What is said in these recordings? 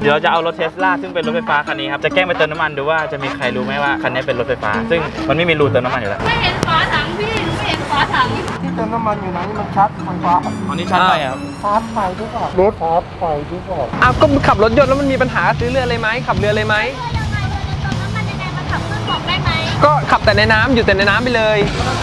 เดี๋ยวจะเอารถเทสลาซึ่งเป็นรถไฟฟ้าคันนี้ครับจะแกล้งไปเติมน้ำมันดูว่าจะมีใครรู้ไหมว่าคันนี้เป็นรถไฟฟ้าซึ่งมันไม่มีรูเติมน้ำมันอยู่แล้วไม่เห็นฝาถังพี่หนูไม่เห็นฝาถังที่เติมน้ำมันอยู่ไหนนี่มันชาร์จไฟฟ้าอันนี้ชัดไปครับชาร์จไฟด้วยก่อนรถชาร์จไฟด้วยก่อนอ้าวก็ขับรถยนต์แล้วมันมีปัญหาซื้อเรือเลยไหมขับเรือเลยไหมก็ขับแต่ในน้ำอยู่แต่ในน้ำไปเลย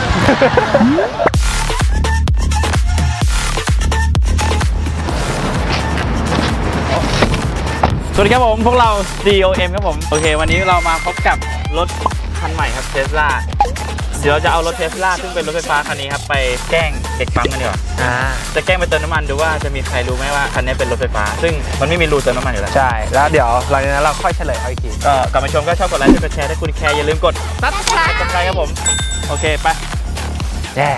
สวัสดีครับผมพวกเรา DOM ครับผมโอเควันนี้เรามาพบกับรถคันใหม่ครับเทสลาเดี๋ยวจะเอารถเทสลาซึ่งเป็นรถไฟฟ้าคันนี้ครับไปแกล้งเด็กปั๊มกันดีกว่าจะแกล้งไปเติมน้ำมันดูว่าจะมีใครรู้ไหมว่าคันนี้เป็นรถไฟฟ้าซึ่งมันไม่มีรูเติมน้ำมันอยู่แล้วใช่แล้วเดี๋ยวหลังจากนั้นเราค่อยเฉลยเอาอีกทีก็กลับมาชมก็ชอบกดไลค์กดแชร์ถ้าคุณแคร์อย่าลืมกดซับสไครต์ครับผมโอเคไปแย่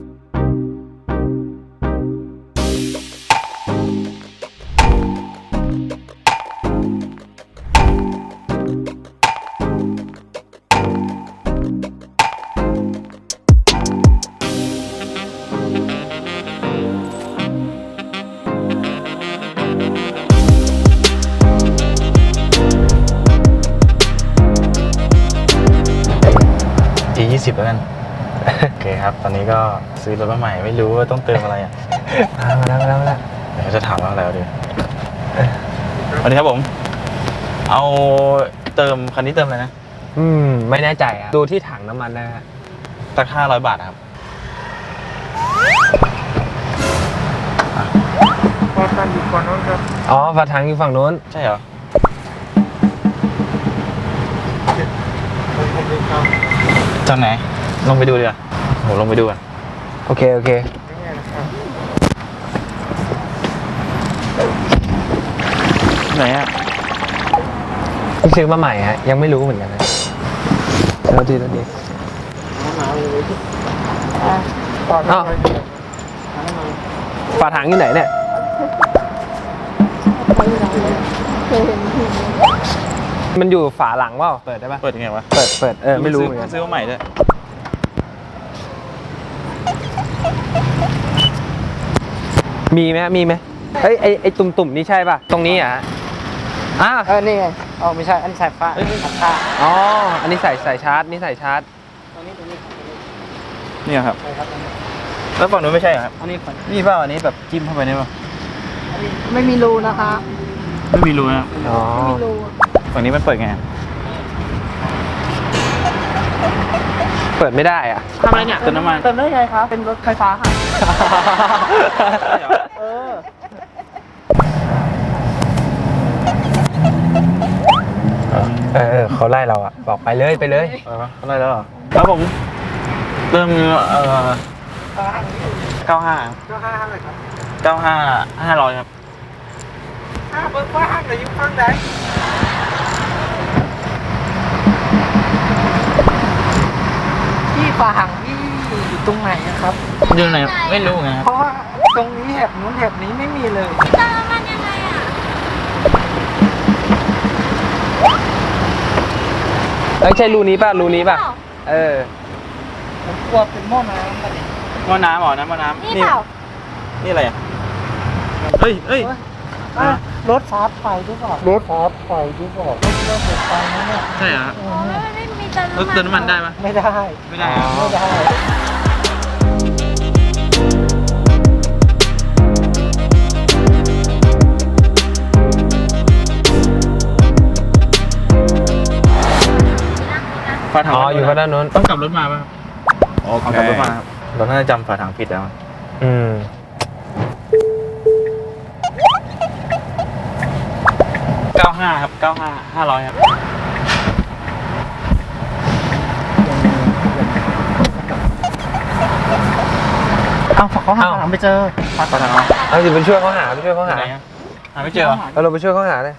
20แล้วกันโอเคครับตอนนี้ก็ซื้อรถมาใหม่ไม่รู้ว่าต้องเติมอะไรอ่ะมาแล้วเดี๋ยวจะถามว่าอะไรดีสวัสดีครับผมเอาเติมคันนี้เติมอะไรนะไม่แน่ใจอ่ะดูที่ถังน้ำมันนะฮะสัก500 บาทครับฝาถังอยู่ฝั่งโน้นครับอ๋อฝาถังอยู่ฝั่งโน้นใช่เหรอจากไหนลงไปดูดีกว่าโหลงไปดูกันโอเคไหนอ่ะที่ซื้อมาใหม่ฮะยังไม่รู้เหมือนกันนะแล้วดีฝาถังอยู่ไหนเนี่ยมันอยู่ฝาหลังเปล่าเปิดได้ปะเปิดยังไงวะเปิดไม่รู้เหมือนกันซื้อมาใหม่ด้วยมีไหมไอ้ตุ่มนี่ใช่ป่ะตรงนี้อ่ะนี่ไงไม่ใช่อันนี้สายฟ้าอ๋ออันนี้ใส่ชาร์จนี่ใส่ชาร์จนี่ครับแล้วฝั่งนู้นไม่ใช่ครับอันนี้นี่เปล่าอันนี้แบบจิ้มเข้าไปได้ป่ะไม่มีรูนะคะไม่มีรูนะอ๋อไม่มีรูฝั่งนี้มันเปิดไงเปิดไม่ได้อ่ะทำอะไรเนี่ยเติมน้ำมันเติมได้ไงคะเป็นรถไฟฟ้าค่ะเขาไล่เราอ่ะบอกไปเลยเขาไล่แล้วเหรอครับผมเติม95 เลยครับ 95 500ครับเบิ้งฟ้าหรือยุ่งฟังไหนที่ฝาหังที่อยู่ตรงไหนครับอยู่ไหนไม่รู้ไงเพราะว่าตรงนี้แถบนู้นแถบนี้ไม่มีเลยเติมมันยังไงอ่ะใช่รูนี้ป่ะผมกลัวเป็นหม้อน้ำอะไรหม้อน้ำหรอน้ำหม้อน้ำนี่อะไรอ่ะเฮ้ยรถชาร์จไฟด้วยก่อนรถชาร์จไฟด้วยก่อนรถไฟนะเนี่ยใช่เหรอไม่มีเติมน้ำมันได้ปะไม่ได้ฝาถังอยู่ด้านโน้นต้องกลับรถมาป่ะกลับรถมาเราน่าจะจำฝาถังผิดแล้ว95ครับ95 500ครับเขาหาไม่เจอฝาถังเอาไปช่วยเขาหาไม่เจอเราไปช่วยเขาหาเลย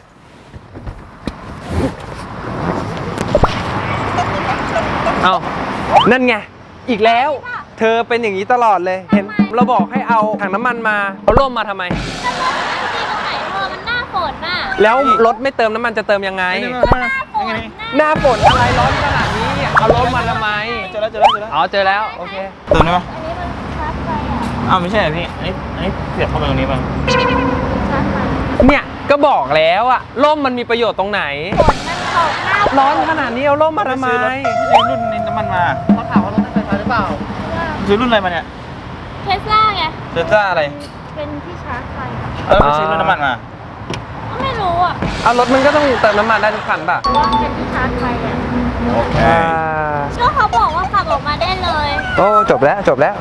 นั่นไงอีกแล้วเธอเป็นอย่างนี้ตลอดเลยเห็นเราบอกให้เอาถังน้ำมันมาเอาร่มมาทำไมมันหน้าฝนน่ะแล้วรถไม่เติมน้ำมันจะเติมยังไงหน้าฝนอะไรร้อนขนาดนี้เอาร่มมาทำไมเจอแล้วเจอแล้วโอเคเติมได้ปะไม่ใช่พี่อันนี้เสียบเข้าไปตรงนี้ป่ะเนี่ยก็บอกแล้วอะร่มมันมีประโยชน์ตรงไหนฝนมันตกหน้าร้อนขนาดนี้เอาร่มมาทำไมซื้อรุ่นนี้น้ำมันมาเขาถามว่ารถไฟฟ้าหรือเปล่าซื้อรุ่นอะไรมาเนี่ยเทสลาไงเทสลาอะไรเป็นที่ชาร์จไฟอะไปซื้อรุ่นน้ำมันมาก็ไม่รู้อ่ะเอารถมันก็ต้องเติมน้ำมันได้ทุกคันป่ะว่าเป็นที่ชาร์จไฟอ่ะโอเคก็เขาบอกว่าขับออกมาได้เลยโอ้จบแล้วจบแล้ว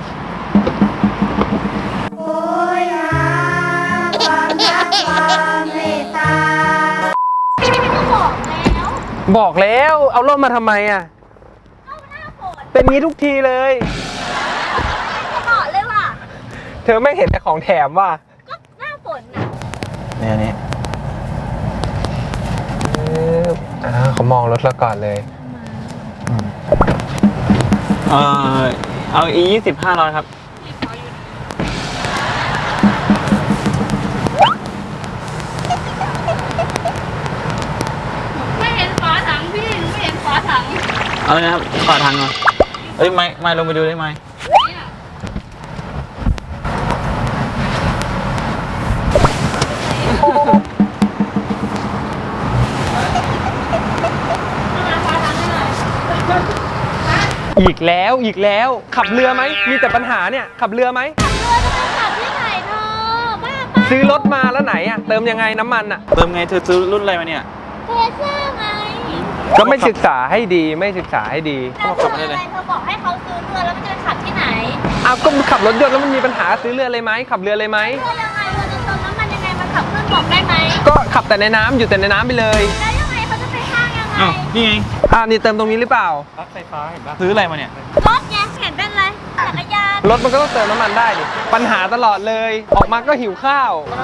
ก็บอกแล้วบอกแล้วเอาร่มมาทำไมอะก็หน้าฝนเป็นงี้ทุกทีเลยก็บอกเลยว่ะเธอไม่เห็นแต่ของแถมว่ะก็หน้าฝนอ่ะเนี่ยนี่เขามองรถเราก่อนเลยเอา E20 500ครับไม่เห็นฝาถังพี่หนูไม่เห็นฝาถังเอาเลยนะครับฝาทางก่อนเอ้ยไม่ลงไปดูได้ไหมเนี่ยฝาถังให้หน่อยอีกแล้วขับเรือไหมมีแต่ปัญหาเนี่ยขับเรือไหมขับเรือจะไปขับที่ไหนเธอบ้าปะซื้อรถมาแล้วไหนอะเติมยังไงน้ำมันอะเติมไงเธอซื้อรุ่นอะไรมาเนี่ยเทสลาไงก็ไม่ศึกษาให้ดีไม่ศึกษาให้ดีเธอบอกอะไรเธอบอกให้เขาซื้อเรือแล้วมันจะไปขับที่ไหนอ้าวก็ขับรถยนต์แล้วมันมีปัญหาซื้อเรือเลยไหมขับเรือเลยไหมเรือยังไงเราจะเติมน้ำมันยังไงมันขับเครื่องบอกได้ไหมก็ขับแต่ในน้ำอยู่แต่ในน้ำไปเลยแล้วยังไงเขาจะไปข้างยังไงอ้าวนี่ไงนี่เติมตรงนี้หรือเปล่ารถไฟฟ้าเห็นปะซื้ออะไรมาเนี่ยรถไงเห็นเป็นอะไรจักรยานรถมันก็ต้องเติมน้ำมันได้ดิปัญหาตลอดเลย ออกมาก็หิวข้าว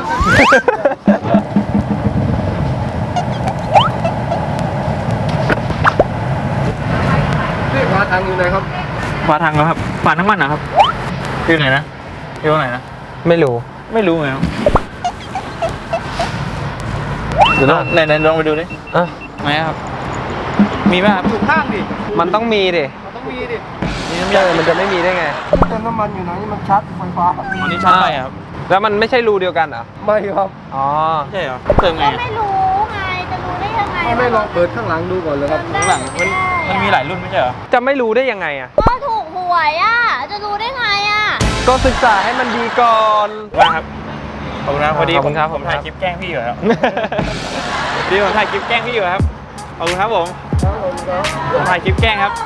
นี่ฝาถังอยู่ไหนครับฝาทางแล้วครับฝาน้ำมันนะครับอยู่ไหนนะอยู่ตรงไหนนะไม่รู้ไม่รู้ไงครับเดี๋ยวลองไหนลองไปดูดิอ่ะไหนครับ มีป่ะครับอยู่ข้างดิมันต้องมีดิมันต้องมีดิมีน้ำยามันจะไม่มีได้ไงเติมน้ำมันอยู่ไหนนี่มันชาร์จไฟฟ้าอันนี้ชาร์จไปครับแล้วมันไม่ใช่รูเดียวกันเหรอไม่ครับอ๋อไม่ใช่เหรอเติมไงก็อะไม่รู้ไงจะรู้ได้ยังไงไม่ลองเปิดข้างหลังดูก่อนเลยครับข้างหลังมันมีหลายรุ่นไม่ใช่เหรอจะไม่รู้ได้ยังไงอ่ะก็ถูกหวยอ่ะจะรู้ได้ไงอ่ะก็ศึกษาให้มันดีก่อนว่าครับขอบคุณครับพอดีขอบคุณครับผมถ่ายคลิปแกล้งพี่อยู่ครับพอดีผมถ่ายคลิปแกล้งพี่อยู่ครับขอบคุณครับผมผมถ่ายคลิปแกล้งครับ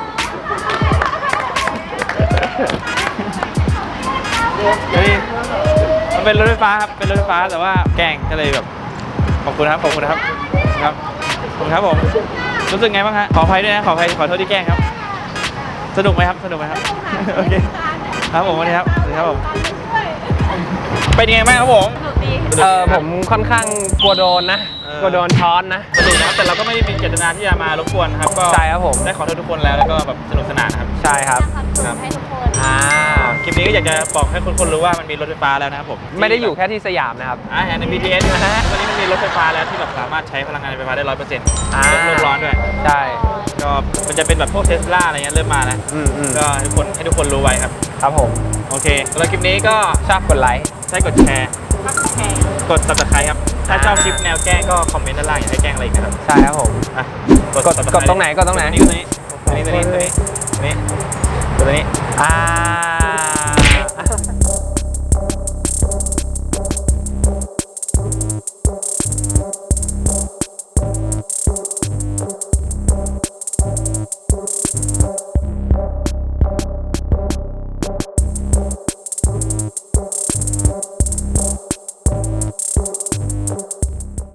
เฮ้ยมันเป็นรถไฟฟ้าครับเป็นรถไฟฟ้าแต่ว่าแกล้งก็เลยแบบขอบคุณครับขอบคุณครับครับขอบคุณครับผมรู้สึกไงบ้างฮะขออภัยด้วยนะขออภัยขอโทษที่แกล้งครับสนุกไหมครับสนุกไหมครับโอเคครับผมวันนี้ครับสวัสดีครับผมเป็นยังไงบ้างครับผมสนุกดีผมค่อนข้างกลัวโดนนะ กลัวโดนช้อนนะสนุกนะครับแต่เราก็ไม่ได้มีเจตนาที่จะมารบกวนนะครับก็ใช่ครับผมได้ขอโทษทุกคนแล้วก็แบบสนุกสนานนะครับใช่ครับครับให้ทุกคนคลิปนี้ก็อยากจะบอกให้คนรู้ว่ามันมีรถไฟฟ้าแล้วนะครับผมไม่ได้อยู่แค่ที่สยามนะครับใน BTS นะฮะวันนี้มันมีรถไฟฟ้าแล้วที่แบบสามารถใช้พลังงานไฟฟ้าได้ 100%ลดโลกร้อนด้วยใช่ก็มันจะเป็นแบบพวกเทสลาอะไรเงี้ยเริ่มมาแล้ว ก็ให้ทุกคนรู้ไว้ครับครับผมโอเคแล้วคลิปนี้ก็ชอบกดไลค์ใช้กดแชร์กด subscribe ครับถ้าชอบคลิปแนวแกล้งก็คอมเมนต์ด้านล่างอยากให้แกล้งอะไรอีกนะครับใช่ครับผมอ่ะกด subscribe ตรงไหนกดตรงไหนตัวนี้ตัวนี้ตัวนี้ตัวนี้ตัวนี้ตัวนี้อ่า